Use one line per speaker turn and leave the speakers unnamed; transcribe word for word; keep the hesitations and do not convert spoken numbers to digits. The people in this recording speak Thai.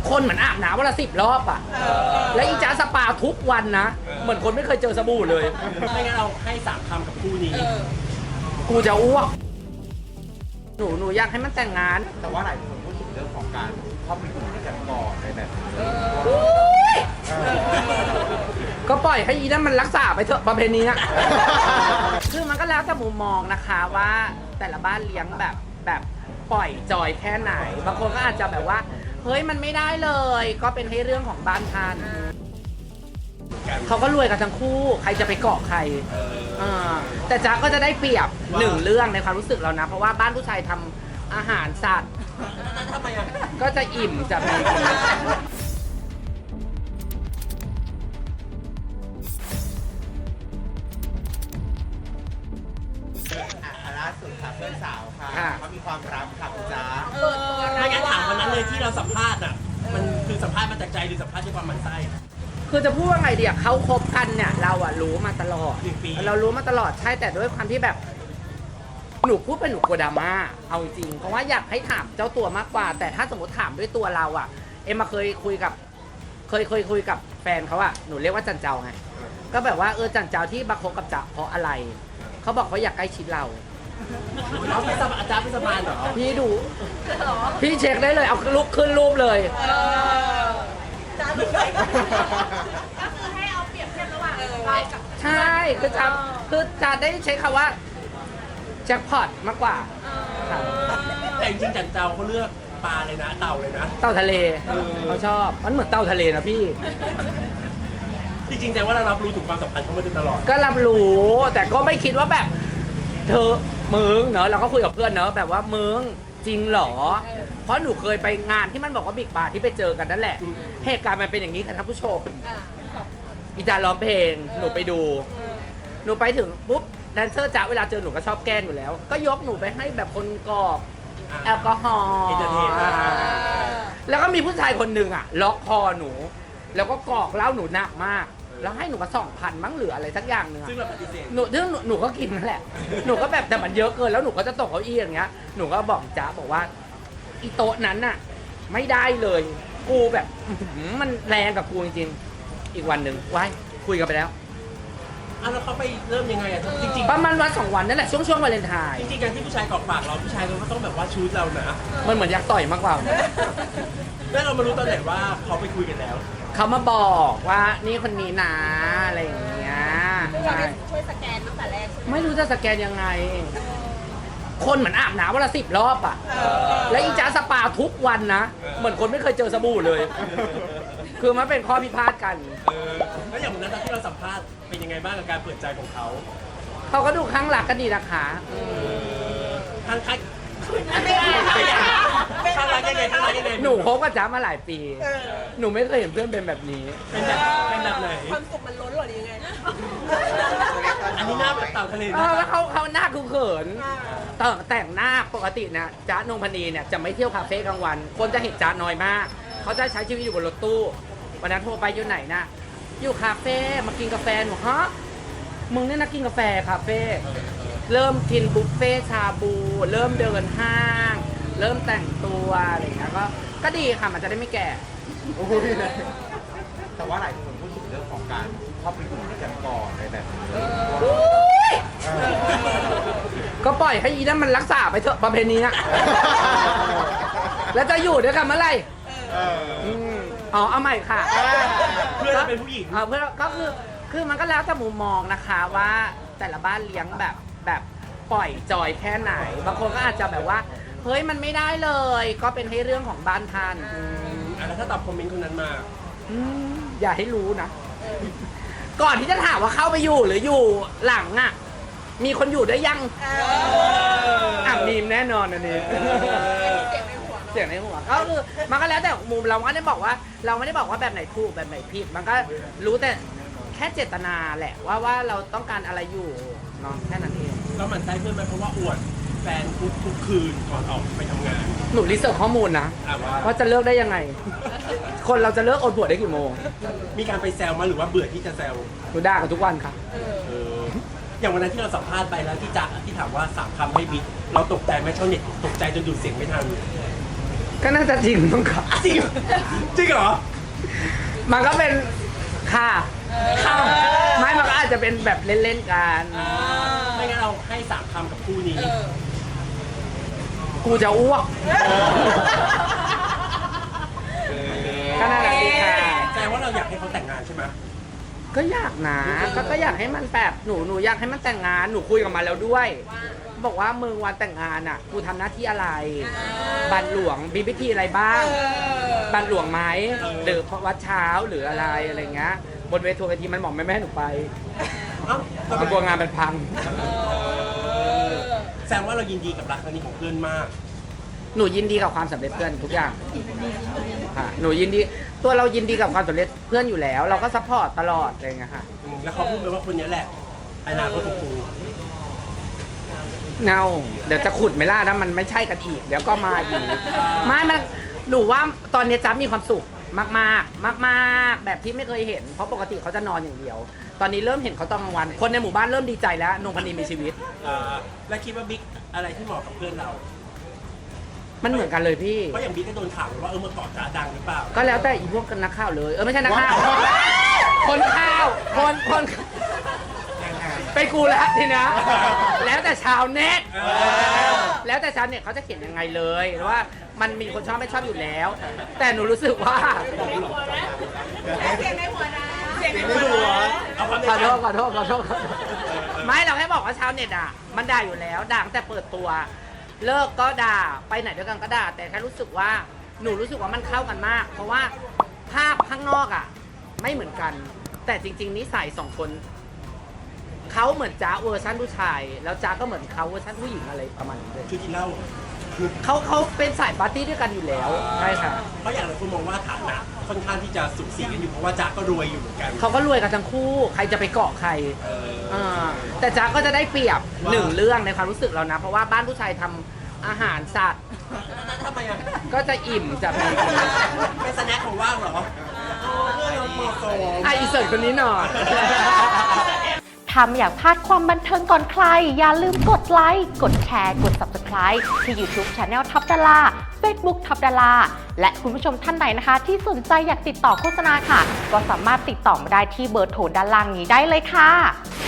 คนเหมือนอาบน้ำวันละสิบรอบอ่ะแล้วอีจ้าสปาทุกวันนะเหมือนคนไม่เคยเจอสบู่เลย
ไม่งั้นเราให้สามคำกับคู่นี้
กูจะอ้วกหนูหนูอยากให้มันแต่งงาน
แต่ว่าหลายคนพูดถึงเรื่องของการเข้าไปอยู่ด้วยกันก่อนในแบบ
ก็ปล่อยให้อีนั่นมันรักษาไปเถอะประเพณีอะคือมันก็แล้วแต่มุมมองนะคะว่าแต่ละบ้านเลี้ยงแบบแบบปล่อยจอยแค่ไหนบางคนก็อาจจะแบบว่าเฮ้ยมันไม่ได้เลยก็เป็นให้เรื่องของบ้านท่านเขาก็รวยกันทั้งคู่ใครจะไปเกาะใครแต่จ๊ะก็จะได้เปรียบหนึ่งเรื่องในความรู้สึกเรานะเพราะว่าบ้านผู้ชายทำอาหารสัตว์ก็จะอิ่มจะมี
ล่าสุดค่ะเพื่อนสาวค่ะเขามีความรักค่ะคุณจ๊ะ
ไม่งั้นถามวันนั้นเลยที่เราสัมภาษณ์อ่ะมันคือสัมภาษณ์มาจากใจหรือสัมภาษณ์ด้วยความหมั่นไส้
คือจะพูดว่าไงเดียเขาคบกันเนี่ยเราอะรู้มาตลอดเรารู้มาตลอดใช่แต่ด้วยความที่แบบหนูพูดเป็นหนูกลัวดราม่าเอาจริงเพราะว่าอยากให้ถามเจ้าตัวมากกว่าแต่ถ้าสมมติถามด้วยตัวเราอะเอ็มมาเคยคุยกับเคยเคยคุยกับแฟนเขาอะหนูเรียกว่าจันเจ้าไงก็แบบว่าเออจันเจ้าที่มาคบกับจ๊ะเพราะอะไรเขาบอกเขาอยากใกล้ชิดเรา
เขาเป็นอาจารย์เป็นสมานเหรอ
พี่ดูพี่เช็คได้เลยเอาลุกขึ้นรูปเลย
จ้าหนูไปก็คือให้เอาเปรียบเทียบระหว่างเรากับ
ใช่คือจะคือจะได้ใช้คำว่าแจ็คพอตมากกว่า
แต่จริงๆจันเจ้าเขาเลือกปลาเลยนะเต่าเลยนะ
เต่าทะเลเขาชอบมันเหมือนเต่าทะเลนะพี่
จริงๆแต่ว่าเรารับรู้ถึงความสัมพันธ์เขามาตลอด
ก็รับรู้แต่ก็ไม่คิดว่าแบบเธอมึงเนอะเราก็คุยกับเพื่อนเนอะแบบว่ามึงจริงเหรอเพราะหนูเคยไปงานที่มันบอกว่าบิ๊กบาร์ที่ไปเจอกันนั่นแหละเหตุการณ์มันเป็นอย่างนี้ค่ะท่านผู้ชมอีจาร้องเพลงหนูไปดูหนูไปถึงปุ๊บแดนเซอร์จ๋าเวลาเจอหนูก็ชอบแกล้งอยู่แล้วก็ยกหนูไปให้แบบคนกรอกแอลกอฮอล์แล้วก็มีผู้ชายคนหนึ่งอ่ะล็อกคอหนูแล้วก็กรอกเหล้าหนูหนักมากแล้วให้หนูมาสองพันมั้งเหลืออะไรสักอย่างหนึ่งซึ่งเราปฏิเสธหนูซึ่งหนูก็กินนั่นแหละหนูก็แบบแต่มันเยอะเกินแล้วหนูก็จะตกเก้าอี้อย่างเงี้ยหนูก็บอกจ๊ะบอกว่าอีโต๊ะนั้นน่ะไม่ได้เลยกูแบบมันแรงกับกูจริงๆอีกวันหนึ่งไว้คุยกันไปแล้ว
อ่ะแล้วเขาไปเริ่มยังไงอ่ะจริง
ๆประมาณวันสองวันนั่นแหละช่วงช่วงวาเลนไทน์
จริงๆการที่ผู้ชายกรอกปากเราผู้ชายเราก็ต้องแบบว่าชูดเรานะ
มันเหมือนอยากต่อยมากกว่า
แล้วเรามารู้ตอนไหนว่าเขาไปคุยกันแล้ว
เขามาบอกว่านี่คนนี้นะอะไรอย่างเงี้ย
ช่วยสแกนตั้งแต่แรก
ไม่รู้จะสแกนยังไงคนเหมือนอาบน้ำวันละสิบรอบอ่ะแล้วอีจ้าสปาทุกวันนะเหมือนคนไม่เคยเจอสบู่เลยคือมันเป็นข้อพิพาทกัน
แล้วอย่างวันนั้นที่เราสัมภาษณ์เป็นยังไงบ้างกับการเปิดใจของเขา
เขาก็ดูข้างหลักกันดีนะคะ
ข้างใครข้างรักยังไงข้างรักยังไง
หนูคบกับจ๊ามาหลายปีหนูไม่เคยเห็นเพื่อนเป็นแบบนี้
เป็นแบบเป็นแบบไหน
ความสุขมันล้นหรอยังไง
อันนี้หน้าแบบเต่าทะเล
แล้วเขาเขาหน้าคือเขินแต่แต่งหน้าปกตินะจ๊านงพนีเนี่ยจะไม่เที่ยวคาเฟ่กลางวันคนจะเห็นจ๊าน้อยมากเขาจะใช้ชีวิตอยู่บนรถตู้วันนั้นโทรไปอยู่ไหนนะอยู่คาเฟ่มากินกาแฟหนูฮะมึงเนี่ยนะกินกาแฟคาเฟ่เริ่มกินบุฟเฟ่ชาบูเริ่มเดินห้างเริ่มแต่งตัวอะไรอย่างเงี้ยก็ก็ดีค่ะมันจะได้ไม่แก่
โอ้ยแต่ว่าหลายคนพูดถึงเรื่องของการเข้าไปอยู่ด้วยกันก่อนในแบบ
ก็ปล่อยให้อีนั่นมันรักษาไปเถอะประเพณีอะแล้วจะอยู่ด้วยกันเมื่อไหร่อ๋อเอาใหม่ค่ะ
เพื่อนเป็นผู้หญิง
เพื่อนก็คือคือมันก็แล้วแต่มุมมองนะคะว่าแต่ละบ้านเลี้ยงแบบแบบปล่อยจอยแค่ไหนบางคนก็อาจจะแบบว่าเฮ้ยมันไม่ได้เลยก็เป็นให้เรื่องของบ้านท่าน
แล้วถ้าตอบคอมเมนต์คนนั้นมา
อย่าให้รู้นะก่อนที่จะถามว่าเข้าไปอยู่หรืออยู่หลังอ่ะมีคนอยู่ได้ยังอ่ะมีแน่นอนอันนี้เสียงในหัวก็คือมันก็แล้วแต่มุมเราไม่ได้บอกว่าเราไม่ได้บอกว่าแบบไหนถูกแบบไหนผิดมันก็รู้แต่แค่เจตนาแหละว่าว่าเราต้องการอะไรอยู่เนาะแค่นั้นเอง
แล้วมันใช่เพื่อนไหมเพราะว่าอวดแฟนทุกทุกคืนก่อนออกไปทำงาน
หนูรีเสิร์ชข้อมูลนะว่าจะเลิกได้ยังไงคนเราจะเลิกอดบวชได้กี่โมง
มีการไปแซวมาหรือว่าเบื่อที่จะแซว
หนูด่ากันทุกวันค่ะ
อย่างวันนั้นที่เราสัมภาษณ์ไปแล้วที่จ๊ะที่ถามว่าสามคำให้บิ๊กเราตกใจไหมชาวเน็ตตกใจจนหยุดเสียงไม่ทัน
ก็น่าจะจริงมั้งครับ
จริงจริงเหรอ
มันก็เป็นค่ะค่ะไม่มันก็อาจจะเป็นแบบเล่นๆกัน
ไม่งั้นเราให้สามคำกับคู่นี้
กูจะอ้วกก็น่ารักดีค่ะ
แสดงว่าเราอยากให้เขาแต่งงานใช่ไหม
ก็อยากนะก็ก็อยากให้มันแบบหนูหนูอยากให้มันแต่งงานหนูคุยกับมันแล้วด้วย บอกว่ามึงวันแต่งงานอ่ะกูทำหน้าที่อะไร บัตรหลวงมีพิธีอะไรบ้าง บัตรหลวงไหมหรือวัดเช้าหรืออะไรอะไรเงี้ยบนเวทีเวทีมันบอกไม่แม่ให้หนูไป
เอ้า
มันกลัวงานมันพัง
แสดงว่าเรายินดีกับรักครั้งนี้ของเพื่อนมาก
หนูยินดีกับความสำเร็จเพื่อนทุกอย่างค่ะหนูยินดีตัวเรายินดีกับความสำเร็จเพื่อนอยู่แล้ว เราก็ซัพพอร์ตตลอดอะไรเงี้ยค่ะ
อืมแล้วเขาพูดไปว่าคนนี้แหละอนาคตของกู
เงาเดี๋ยวจะขุดไม่ล่านะมันไม่ใช่กันอีกเดี๋ยวก็มาอีกไม่มันหนูว่าตอนนี้จ๊บมีความสุขมากๆ มากๆ แบบที่ไม่เคยเห็นเพราะปกติเขาจะนอนอย่างเดียว ตอนนี้เริ่มเห็นเขาตอนกลางวัน คนในหมู่บ้านเริ่มดีใจแล้วนงพนีมีชีวิต
เอ่อและคิดว่าบิ๊กอะไรที่เหมาะกับเพื่อนเรา
มันเหมือนกันเลยพี่
เพราะอย่างบิ๊กก็โดนข่าวว่าเออเมื่อก่อนจ๋าดังหรือเปล่า
ก็แล้วแต่อีพวกนักข่าวเลยเออไม่ใช่นักข่าวคนข่าวคนคนไปกูแล้วทีนะแล้วแต่ชาวเน็ตแล้วแต่ชาวเน็ตเขาจะเขียนยังไงเลยว่ามันมีคนชอบไม่ชอบอยู่แล้ว แต่หนูรู้สึกว่า
เสียงในหัวนะเสียงใน
ไม่
หั
รู้
ว
เอาความใน
ขอ
ใจ
โทษขอโทษขอโทษขอโทษไม่เราแค่บอกว่าชาวเน็ตอ่ะมันด่าอยู่แล้วด่าตั้งแต่เปิดตัว เลิกก็ด่าไปไหนด้วยกันก็ด่าแต่แค่รู้สึกว่าหนูรู้สึกว่ามันเข้ากันมาก เพราะว่าภาพข้างนอกอ่ะ ไม่เหมือนกัน แต่จริง ๆนิสัยสองคนเขาเหมือนจ้าเวอร์ชันผู้ชาย แล้วจ้าก็เหมือนเขาเวอร์ชันผู้หญิงอะไรประมาณนี้เลย
คือกินเหล้า
เขาเขาเป็นสายปาร์ตี้ด้วยกันอยู่แล้วใช่ค่ะ
เพราะอย่างหลายคนมองว่าฐานะค่อนข้างที่จะสุขสีกันอยู่เพราะว่าจ๊าก็รวยอยู่เหมือนกัน
เขาก็รวยกันทั้งคู่ ใครจะไปเกาะใคร
เออ
อ่าแต่จ๊ะก็จะได้เปรียบ
ว่า
หนึ่งเรื่องในความรู้สึกเรานะ เพราะว่าบ้านผู้ชายทำอาหารสัตว์
ทำไมอ่ะ
ก็จะอิ่มจะมี
เป็นสแน็คของว่างเหรอเพื่อนเราเหมาะสม
อ่ะอีเสิร์ตคนนี้หน่อย
ถ้าไม่อยากพลาดความบันเทิงก่อนใคร อย่าลืมกดไลค์ กดแชร์ กด ซับสไครบ์ ที่ YouTube Channel ทับดารา Facebook ทับดารา และคุณผู้ชมท่านใดนะคะ ที่สนใจอยากติดต่อโฆษณาค่ะ ก็สามารถติดต่อมาได้ที่เบอร์โทรด้านล่างนี้ได้เลยค่ะ